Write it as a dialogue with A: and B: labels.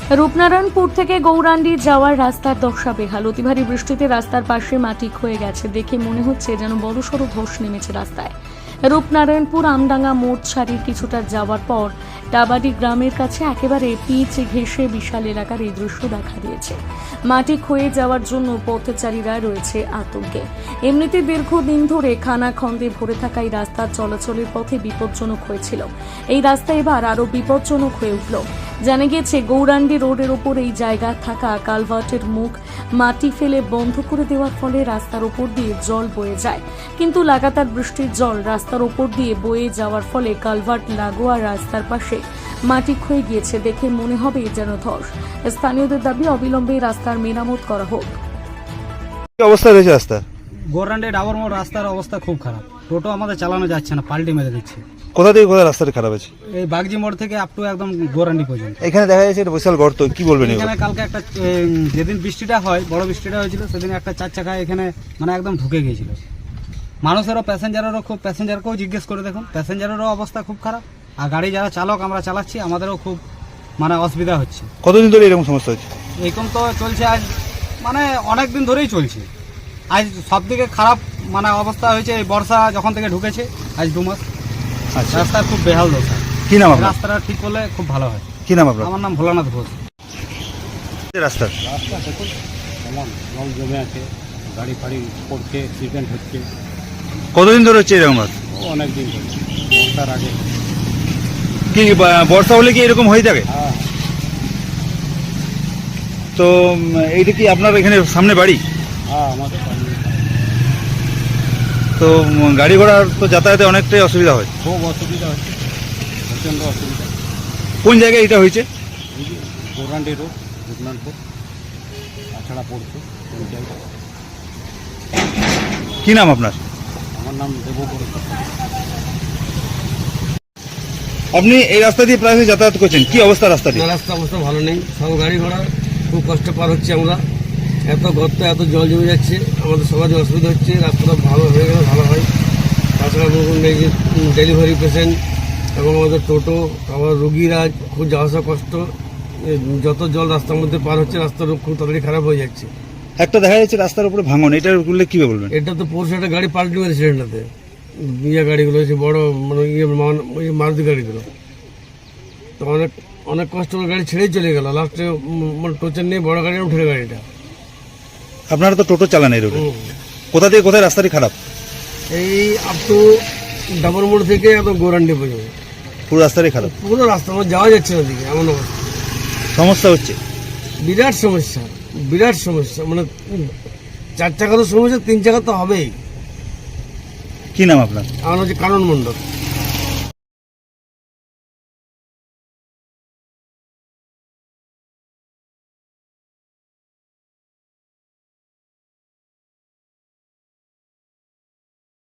A: রূপনারায়ণপুর থেকে গৌরাণ্ডি যাওয়ার রাস্তার দশা বেহাল। অতি ভারী বৃষ্টিতে রাস্তার পাশে মাটি ক্ষয়ে গেছে, দেখে মনে হচ্ছে যেন বড়সড় ধস নেমেছে রাস্তায়। রূপনারায়ণপুর আমডাঙ্গা মোড় ছাড়িয়ে কিছুটা যাওয়ার পর ডাবাডি গ্রামের কাছে একেবারে পিচ ঘেঁষে বিশাল এলাকার এই দৃশ্য দেখা দিয়েছে। মাটি ক্ষয়ে যাওয়ার জন্য পথচারীরা রয়েছে আতঙ্কে। এমনিতে দীর্ঘদিন ধরে খানাখন্দে ভরে থাকা এই রাস্তার চলাচলের পথে বিপজ্জনক হয়েছিল। এই রাস্তা এবার আরও বিপজ্জনক হয়ে উঠল। জানা গেছে গৌরাণ্ডি রোডের ওপর এই জায়গা থাকা কালভার্টের মুখ মাটি ফেলে বন্ধ করে দেওয়ার ফলে রাস্তার ওপর দিয়ে জল বয়ে যায়, কিন্তু লাগাতার বৃষ্টির জল রাস্তার ওপর দিয়ে বয়ে যাওয়ার ফলে কালভার্ট লাগোয়া রাস্তার পাশে মাটি ক্ষয়ে গিয়েছে, দেখে মনে হবে যেন ধস। স্থানীয়দের দাবি অবিলম্বে রাস্তার মেরামত করা হোক।
B: কি অবস্থা রয়েছে রাস্তা?
C: গৌরাণ্ডি ডাবর মোড় রাস্তার অবস্থা খুব খারাপ, টোটো আমাদের চালানো যাচ্ছে না, পাল্টি মেরে দিচ্ছে।
B: কোথা থেকে কোথায় রাস্তাটা খারাপ আছে?
C: এই বাগজি মোড় থেকে আপ টু একদম গৌরাণ্ডি পর্যন্ত।
B: এখানে দেখা যাচ্ছে এটা বিশাল গর্ত, কি বলবেন?
C: এখানে কালকে একটা যেদিন বৃষ্টিটা হয়, বড় বৃষ্টিটা হয়েছিল, সেদিন একটা চার চাকা এখানে মানে একদম ঢুকে গিয়েছিল। মানুষেরও প্যাসেঞ্জারকেও জিজ্ঞেস করে দেখুন, প্যাসেঞ্জারেরও অবস্থা খুব খারাপ। আর গাড়ি যারা চালক আমরা চালাচ্ছি, আমাদেরও খুব মানে অসুবিধা হচ্ছে।
B: কতদিন ধরে এরকম সমস্যা হচ্ছে?
C: এরকম তো চলছে আজ মানে অনেক দিন ধরেই চলছে। আজ সব থেকে খারাপ মানে অবস্থা হয়েছে এই বর্ষা যখন থেকে ঢুকেছে, আজ 2 মাস।
B: আচ্ছা,
C: রাস্তা খুব বেহাল দশা।
B: কি নাম আপনার?
C: রাস্তাটা ঠিক করলে খুব ভালো হয়।
B: কি নাম আপনার?
C: আমার নাম ভোলানাথ ঘোষ।
B: রাস্তা
D: দেখুন কেমন জল জমে আছে, গাড়ি ফাড়ি পড়ছে, অ্যাক্সিডেন্ট হচ্ছে।
B: কতদিন ধরে হচ্ছে এরকম?
D: অনেক দিন ধরে, বর্ষার আগে।
B: কি বর্ষা হলে কি এরকম হয়ে থাকে?
D: হ্যাঁ
B: তো এইটা কি আপনার এখানে সামনে বাড়ি?
D: হ্যাঁ, আমাদের
B: তো গাড়ি ঘোড়ার তো যাতায়াতে অনেকটাই অসুবিধা হয়।
D: খুব অসুবিধা হচ্ছে, প্রচণ্ড অসুবিধা।
B: কোন জায়গায় এটা হয়েছে?
D: এই যে গৌরাণ্ডি রোড, রূপনারায়ণপুর তাছাড়া পড়ছে ওই জায়গা।
B: কি নাম আপনার?
D: আমার নাম দেবপুর।
B: আপনি এই রাস্তা দিয়ে প্রায় যাতায়াত করছেন, কি অবস্থা রাস্তাটি?
E: রাস্তা অবস্থা ভালো নেই, সব গাড়ি ঘোড়া খুব কষ্ট পার হচ্ছে আমরা। এত গর্ত, এত জল জমে যাচ্ছে, আমাদের সবারই অসুবিধা হচ্ছে। রাস্তাটা ভালো হয়ে গেলে ভালো হয়। তাছাড়া বলুন এই যে ডেলিভারি পেশেন্ট এবং আমাদের টোটো, আবার রুগীরা খুব যাওয়া আসা কষ্ট। যত জল রাস্তার মধ্যে পার হচ্ছে, রাস্তার খুব তাড়াতাড়ি খারাপ হয়ে যাচ্ছে।
B: একটা দেখা যাচ্ছে রাস্তার উপরে ভাঙন, এটা বললে কি বলবেন?
E: এটা তো পরশু একটা গাড়ি পাল্টি মেরেছে এটাতে, গাড়িগুলো হচ্ছে বড় মানে মারুতি গাড়িগুলো। তো অনেক অনেক কষ্ট করে গাড়ি ছেড়েই চলে গেল, লাস্টে মানে টোচার নিয়ে বড় গাড়ি উঠে গাড়িটা।
B: আপনারা তো টোটো চালান এই রোডে, কোথা থেকে কোথায় রাস্তাটি খারাপ?
E: এই আপ টু ডাবর মোড় থেকে একদম গৌরাণ্ডি পর্যন্ত
B: পুরো রাস্তাটাই খারাপ,
E: পুরো রাস্তা আমার যাওয়া যাচ্ছে না দিকে, এমন অবস্থা।
B: সমস্যা হচ্ছে,
E: বিরাট সমস্যা, বিরাট সমস্যা। মানে 4 চাকারও সমস্যা, 3 চাকা তো হবেই।
B: কি নাম আপনার?
E: আমার হচ্ছে কানন মণ্ডল।